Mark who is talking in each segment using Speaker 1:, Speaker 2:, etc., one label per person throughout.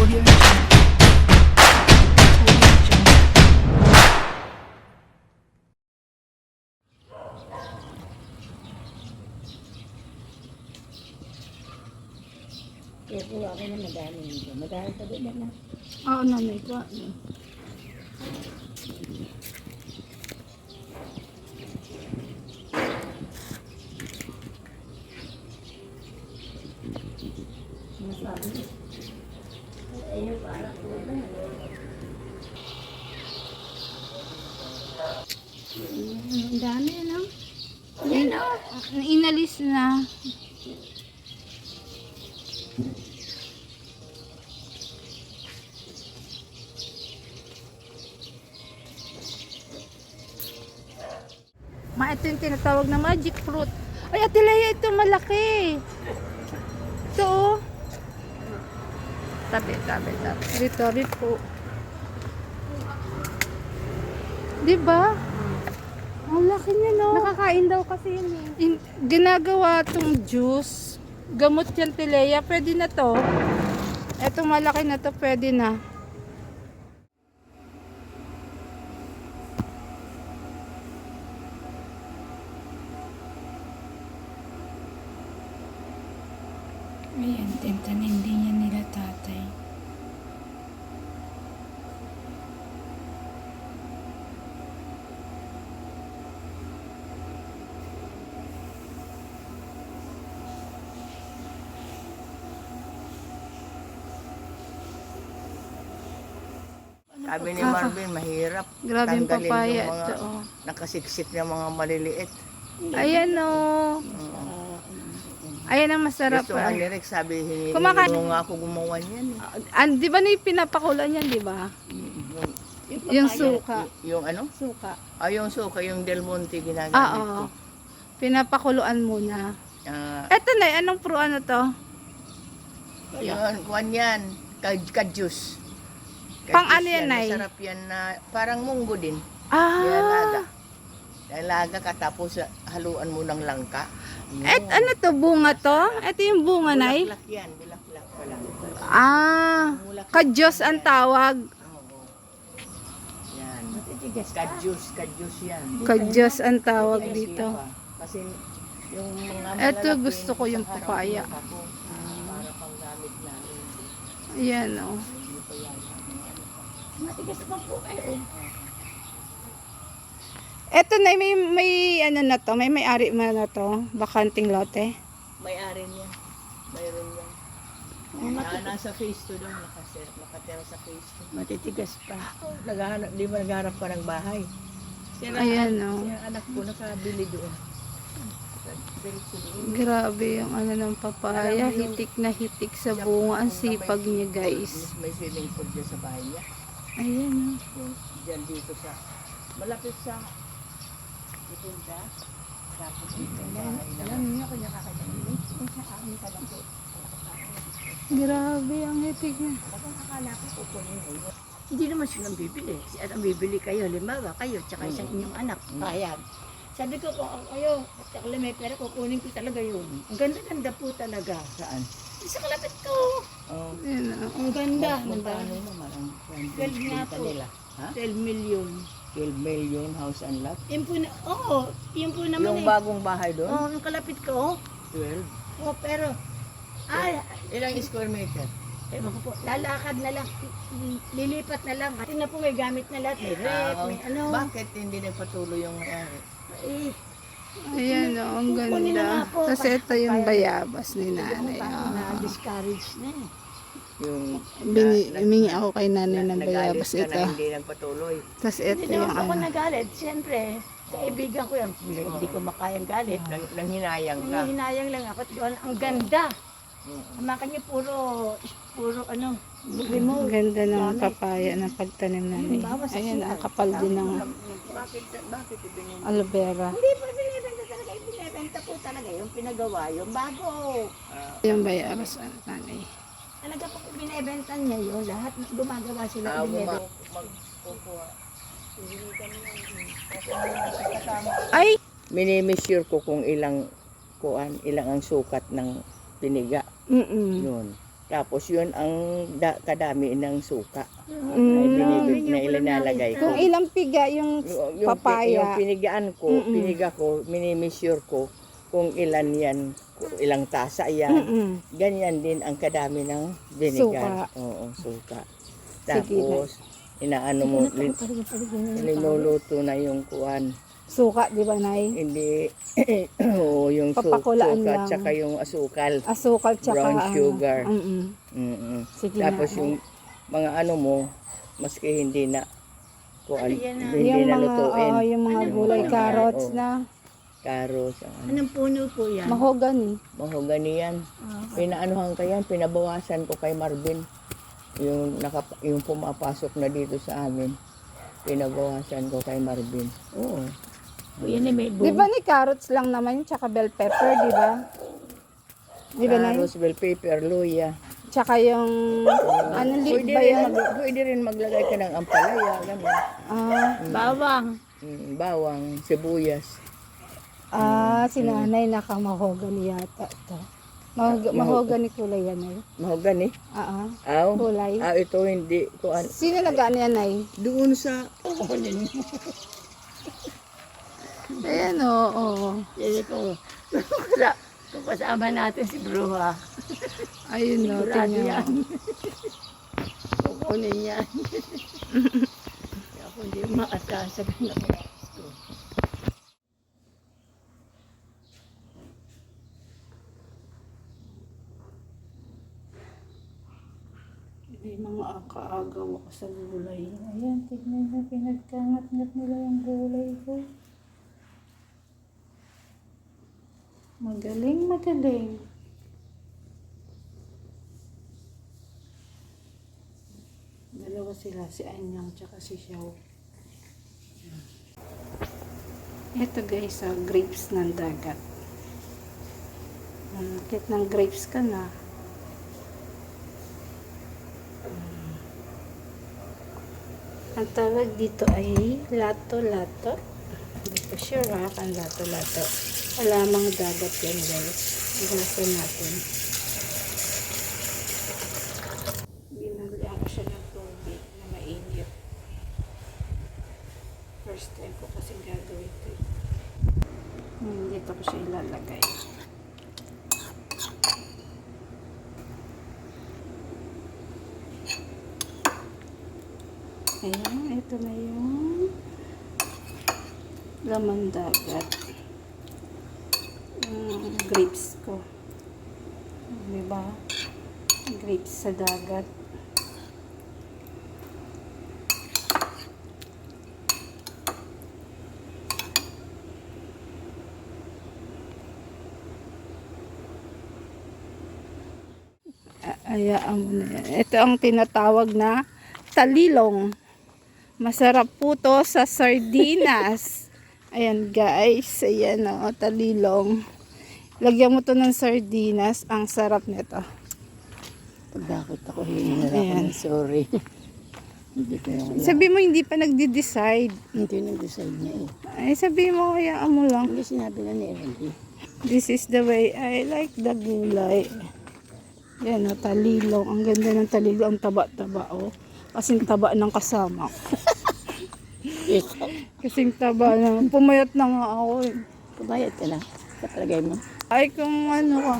Speaker 1: Audio Jungle. Audio Jungle.
Speaker 2: Kaya po ako na madami nito. Madami pa din na.
Speaker 3: Oo, nanay ko.
Speaker 2: Masabi niya. Ayun, para po na.
Speaker 3: Ang dami, ano? Yan, inalis na. Ito yung tinatawag na magic fruit. Ay, Ate Leia, ito malaki. Ito, oh. Tabi. Tabi po. Diba? Ang laki niya, no?
Speaker 4: Nakakain daw kasi yun eh.
Speaker 3: Ginagawa tong juice. Gamot yan, Ate Leia. Pwede na to. Etong malaki na to, pwede na. Ayan, tintanim din yan nila tatay.
Speaker 2: Sabi ni Marvin, mahirap.
Speaker 3: Grabe yung
Speaker 2: tanggalin
Speaker 3: papaya
Speaker 2: yung mga
Speaker 3: ito, oh.
Speaker 2: nakasiksik na mga maliliit.
Speaker 3: Ayan, oh. Ayan ang masarap.
Speaker 2: Gusto nga ni Rex, sabi,
Speaker 3: Kumakain-
Speaker 2: hindi nga ako gumawa niyan.
Speaker 3: Di ba na yung pinapakulan yan, di ba? Yung suka.
Speaker 2: Yung ano?
Speaker 3: Suka.
Speaker 2: Yung suka, yung Del Monte ginagamit
Speaker 3: Oo.
Speaker 2: ko.
Speaker 3: Pinapakuluan muna.
Speaker 2: Ah,
Speaker 3: Eto na, anong pro ano to?
Speaker 2: yun, kuwan yan. Ka-juice.
Speaker 3: Pang ano yan, Nay?
Speaker 2: Masarap yan na parang munggo din.
Speaker 3: Ah.
Speaker 2: Nilaga. Nilaga ka tapos haluan mo ng langka.
Speaker 3: Ano to, bunga to? Ito yung bunga, Nay?
Speaker 2: Bulaklak yan, bulaklak pa lang.
Speaker 3: Kadyos ang tawag.
Speaker 2: Oo. Yan. Ka-juice yan.
Speaker 3: Kadyos ang tawag
Speaker 2: Kasi
Speaker 3: dito.
Speaker 2: pa, Kasi yung mga
Speaker 3: Eto,
Speaker 2: malalaki,
Speaker 3: gusto ko yung
Speaker 2: sa harap
Speaker 3: papaya.
Speaker 2: ng ako, para pang gamit namin.
Speaker 3: Ayan, oh.
Speaker 2: Hindi pa yan.
Speaker 4: Matigas pa po kayo.
Speaker 3: Eto na, may ano na to, may ari mo na to, bakanting lote.
Speaker 2: May-ari niya. Mayroon yan. Nasa phase 2 daw, nakatira sa phase 2.
Speaker 4: Matitigas pa.
Speaker 2: Di ba naghanap pa ng bahay?
Speaker 3: Ayan, oh.
Speaker 2: Yung anak ko nakabili doon. Diretso doon.
Speaker 3: Grabe yung ano ng papaya, hitik na hitik sa bunga. Ang sipag niya, guys.
Speaker 2: May swimming pool dyan sa bahay niya.
Speaker 3: Ayan, oh.
Speaker 2: Yung dyan dito sa, malapit sa Itinda. Tapos dito ang bahay na.
Speaker 4: Alam niyo kung nakakadali. Sa amin ka lang po.
Speaker 3: Grabe ang hitik niya.
Speaker 4: Kapag akala ko kukunin mo. Hindi naman silang bibili. At ang bibili kayo, limawa kayo, tsaka isang inyong anak. Bayad. Sabi ko, kung ako kayo, at ako may pera, kukunin ko talaga yun. Ang ganda-ganda po talaga.
Speaker 2: Saan?
Speaker 4: Sa kalapit ko.
Speaker 2: Oh.
Speaker 3: Ayan, oh.
Speaker 4: Ang ganda.
Speaker 2: Magkano naman ang
Speaker 4: 12 nga
Speaker 2: benta
Speaker 4: po.
Speaker 2: nila? Ha?
Speaker 4: 12 million.
Speaker 2: 12 million house and lot?
Speaker 4: Yun po na, yun po naman
Speaker 2: Yung bagong bahay doon?
Speaker 4: yung kalapit ko,
Speaker 2: 12?
Speaker 4: pero,
Speaker 2: Ilang square meter?
Speaker 4: ewan ko po, lalakad na lang, lilipat na lang. Tingnan po may gamit na lahat, may rep, may ano.
Speaker 2: Bakit hindi nagpatuloy yung may-ari?
Speaker 4: Eh,
Speaker 3: Ayan, oh, ang
Speaker 4: kukunin na
Speaker 3: ganda.
Speaker 4: nga po.
Speaker 3: Kasi ito yung bayabas ni nanay.
Speaker 4: parang
Speaker 3: Oh.
Speaker 4: na-discourage na eh.
Speaker 2: Yung
Speaker 3: Humingi ako kay nanay ng
Speaker 2: nagalit
Speaker 3: bayabas
Speaker 2: ka
Speaker 3: ito.
Speaker 2: na hindi nagpatuloy.
Speaker 3: Tapos ito
Speaker 4: Hindi
Speaker 3: yung
Speaker 4: naman ako
Speaker 3: ano.
Speaker 4: nagalit, siyempre. Kaibigan ko yan, hindi ko makayang galit.
Speaker 2: Nang hinayang ka.
Speaker 4: Hinayang lang ako, ang ganda. Makan niyo puro ano, remote.
Speaker 3: Ang ganda ng papaya ng pagtanim namin. Ayan, ang kapal din ng
Speaker 2: Bakit ibigay
Speaker 3: aloe vera.
Speaker 4: Hindi po binibenta talaga, binibenta po talaga yung pinagawa, yung bago.
Speaker 3: Yung bayabas ng nanay.
Speaker 4: Talaga po binibenta niya yun, lahat gumagawa sila binibenta.
Speaker 2: magkukuha?
Speaker 3: Ay!
Speaker 2: Minimeasure ko kung ilang ang sukat ng piniga.
Speaker 3: Mm-mm.
Speaker 2: Yun. Tapos yun ang kadami ng suka.
Speaker 3: Mm.
Speaker 2: Na ilinalagay ko.
Speaker 3: Kung ilang piga yung
Speaker 2: Yung
Speaker 3: papaya.
Speaker 2: pinigaan ko, piniga ko, minimeasure ko kung ilan yan, kung ilang tasa yan.
Speaker 3: Mm-mm.
Speaker 2: Ganyan din ang kadami ng vinegar. Oo, suka.
Speaker 3: Sige
Speaker 2: Tapos, inaano mo, niluluto na yung kuwan.
Speaker 3: Suka, di ba, Nay?
Speaker 2: Hindi, oo, yung
Speaker 3: Papakulaan
Speaker 2: suka,
Speaker 3: lang.
Speaker 2: tsaka yung asukal.
Speaker 3: Asukal tsaka
Speaker 2: Brown
Speaker 3: ano.
Speaker 2: sugar.
Speaker 3: Mm-mm.
Speaker 2: Mm-mm.
Speaker 3: Sige
Speaker 2: Tapos
Speaker 3: na.
Speaker 2: yung mga ano mo, maski hindi na, kuwan,
Speaker 4: yan na?
Speaker 2: hindi
Speaker 3: Yung
Speaker 2: na
Speaker 3: mga,
Speaker 2: lutuin.
Speaker 3: oo, yung mga
Speaker 2: Yung
Speaker 3: gulay,
Speaker 2: mga,
Speaker 3: carrots
Speaker 2: oo.
Speaker 3: na.
Speaker 2: Carrots, ang ano.
Speaker 4: Anong puno po yan?
Speaker 3: Mahogany.
Speaker 2: Mahogany yan. Pinaanuhan ka yan, pinabawasan ko kay Marvin. Yung pumapasok na dito sa amin. Pinabawasan ko kay Marvin. Oo.
Speaker 4: Yan ay may
Speaker 3: Di ba ni carrots lang naman, tsaka bell pepper, di ba? Di ba, Nay?
Speaker 2: Carrots, bell pepper, luya.
Speaker 3: Tsaka yung, ano leaf ba yan?
Speaker 2: Pwede rin maglagay ka ng ampalaya, gano'n.
Speaker 4: bawang.
Speaker 2: Bawang, sibuyas.
Speaker 3: Si nanay nakamahogany yata ito. Mahogany kulay yan, Nay.
Speaker 2: Mahogany.
Speaker 3: Ah,
Speaker 2: Aw.
Speaker 3: kulay.
Speaker 2: Ito hindi. Kuan.
Speaker 3: Sino nag-ano yan, Nay?
Speaker 2: Doon sa...
Speaker 3: Ayan, oo.
Speaker 4: Yan ko. Kung kasama natin si Bruha.
Speaker 3: Ayun, no,
Speaker 4: Sigurado
Speaker 3: tingnan
Speaker 4: yan.
Speaker 3: mo.
Speaker 4: Kukunin yan. Kaya ako hindi maasasag na ko.
Speaker 3: May mga akaagaw ako sa gulay. Ayan, tignan na, pinagkangat-ngat nila yung gulay ko. Magaling, magaling. Dalawa sila, si Anyang tsaka si Xiao. Ito guys, grapes ng dagat. Kit ng grapes ka na. Ang tawag dito ay lato-lato. Hindi ko sure ha, ang lato-lato. Alamang dagat yan guys. Igasan natin. Binagyan ko siya ng tubig na mainit. First time ko kasi gagawin ito. Dito ko siya ilalagay. Ayan, ito na yung laman dagat. Grapes ko. Diba? Grapes sa dagat. Ayaan mo na yan. Ito ang tinatawag na talilong. Masarap po to sa sardinas. Ayan guys. Ayan o, talilong. Lagyan mo to ng sardinas. Ang sarap nito.
Speaker 2: Pagdakot ako, hindi na ako ng sorry. Hindi ko yung...
Speaker 3: Sabi mo hindi pa nagde-decide.
Speaker 2: Hindi nag-decide niya eh.
Speaker 3: Ay sabi mo, hayaan mo lang.
Speaker 2: Hindi sinabi na ni Randy.
Speaker 3: This is the way I like the gulay. Yan o, talilong. Ang ganda ng talilong. Ang taba-taba o. Kasing taba ng kasama ko. Kasing taba na. Pumayat na nga ako eh.
Speaker 2: Kumayat ka na. Kapalagay mo.
Speaker 3: Ay kung ano ka.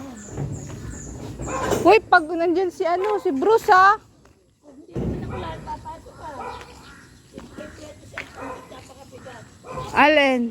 Speaker 3: Uy, pag nandyan si ano, si Bruce ha. Allen.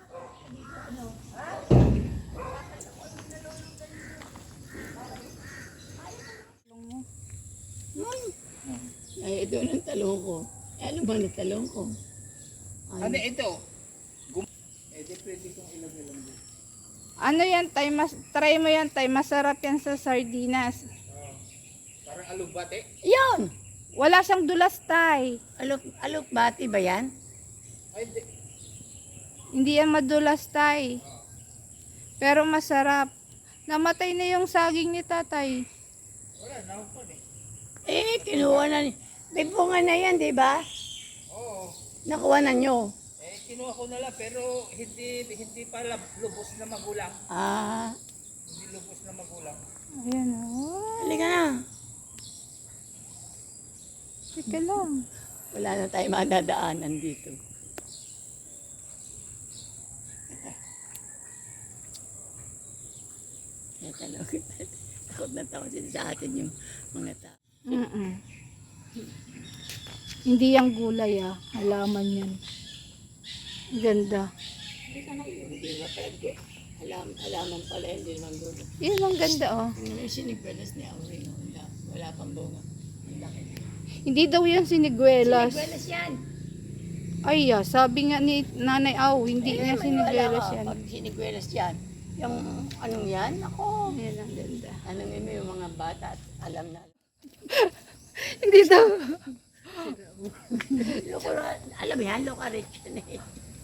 Speaker 4: Ay, ito ang talong ko. Ano ba na talong ko?
Speaker 2: Ano ito? Di pwede kong ilagay lang dito.
Speaker 3: Ano yan, tay? Try mo yan, tay. Masarap yan sa sardinas.
Speaker 2: Parang alugbate.
Speaker 4: Yun!
Speaker 3: Wala siyang dulas, tay.
Speaker 4: Alok-bati ba yan?
Speaker 2: Ay, di.
Speaker 3: Hindi yan madulas, tay. Pero masarap. Namatay na yung saging ni tatay.
Speaker 2: Wala, naupon eh.
Speaker 4: Eh, kinuha na ni... May bunga na yan, di ba?
Speaker 2: Oo.
Speaker 4: Nakuha na nyo.
Speaker 2: Kinuha ko na lang pero hindi pa lubos na magulang.
Speaker 4: Ah,
Speaker 3: Ayan o.
Speaker 4: Halika na.
Speaker 3: Teka lang.
Speaker 4: Wala na tayong madadaanan dito. Natanong kita. Takot na takot sila sa atin yung mga tao.
Speaker 3: Mm-mm. Hindi yung gulay halaman yan. Ganda.
Speaker 4: Hindi na pala. Halaman pala, hindi naman gulo.
Speaker 3: Yun ang ganda
Speaker 4: Yung sinigwelas ni Auring, wala pang bunga. Ang laki.
Speaker 3: Hindi daw yan siniguelas.
Speaker 4: Sinigwelas yan.
Speaker 3: Ay sabi nga ni Nanay Aw, hindi yan siniguelas yan.
Speaker 4: Pag sinigwelas yan, yung anong yan, ako.
Speaker 3: Ayan ang ganda.
Speaker 4: Anong mo yung mga bata at alam na.
Speaker 3: Hindi daw.
Speaker 4: Alam yan, loka-rich yan eh.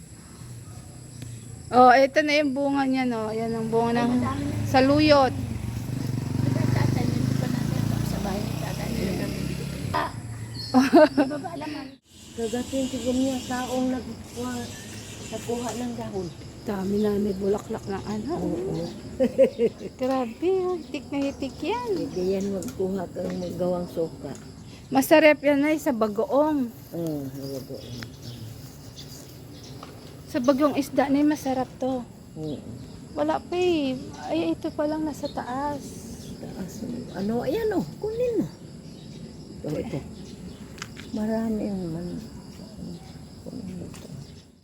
Speaker 3: Ito na yung bunga niya, no. Ayan ang bunga ng saluyot.
Speaker 4: Tatanin pa natin sa bahay ni tatanin kami. Di ba alaman?
Speaker 2: Gagatin siguro niya taong nagkuha ng dahon.
Speaker 3: Dami na may bulaklak ng ano.
Speaker 2: Oo.
Speaker 3: Grabe, hitik na hitik yan.
Speaker 2: Hindi yan magkuha kang magawang suka.
Speaker 3: Masarap yan ay sa bagoong.
Speaker 2: Huwag.
Speaker 3: Sa bagong isda na masarap to.
Speaker 2: Oo.
Speaker 3: Wala pa eh. Ay, ito pa lang nasa taas.
Speaker 2: Taas. Ano, ayan o, kunin mo. Ito. Marami yung kunin mo ito.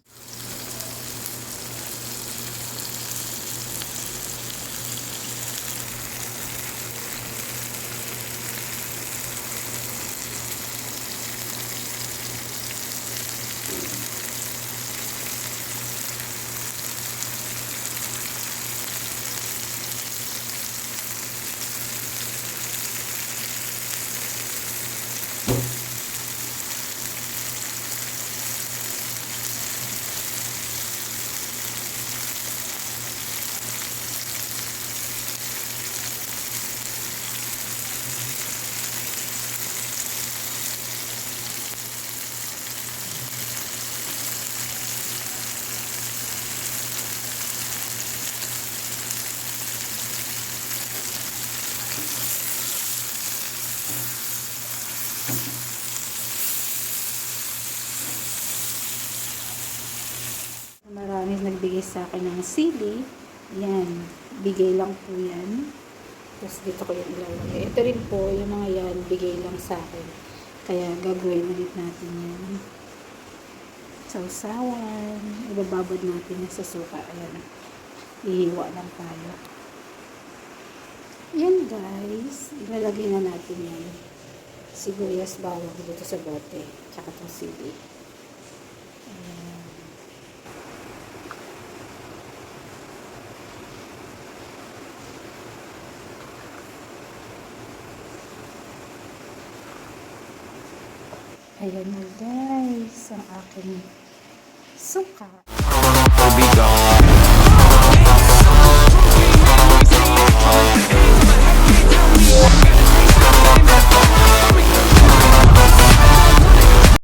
Speaker 3: Marami nagbigay sa akin ng sili. Yan. Bigay lang po yan. Tapos dito ko yung ilalagay. Ito rin po, yung mga yan, bigay lang sa akin. Kaya gagawin ulit natin yan. Sausawan. Ibababad natin yan sa suka. Ayan. Ihiwa lang tayo. Yan guys. Ilalagay na natin yan. Sibuyas bawang dito sa bote. Tsaka itong sili. Ayan. Ayan na guys, ang aking suka.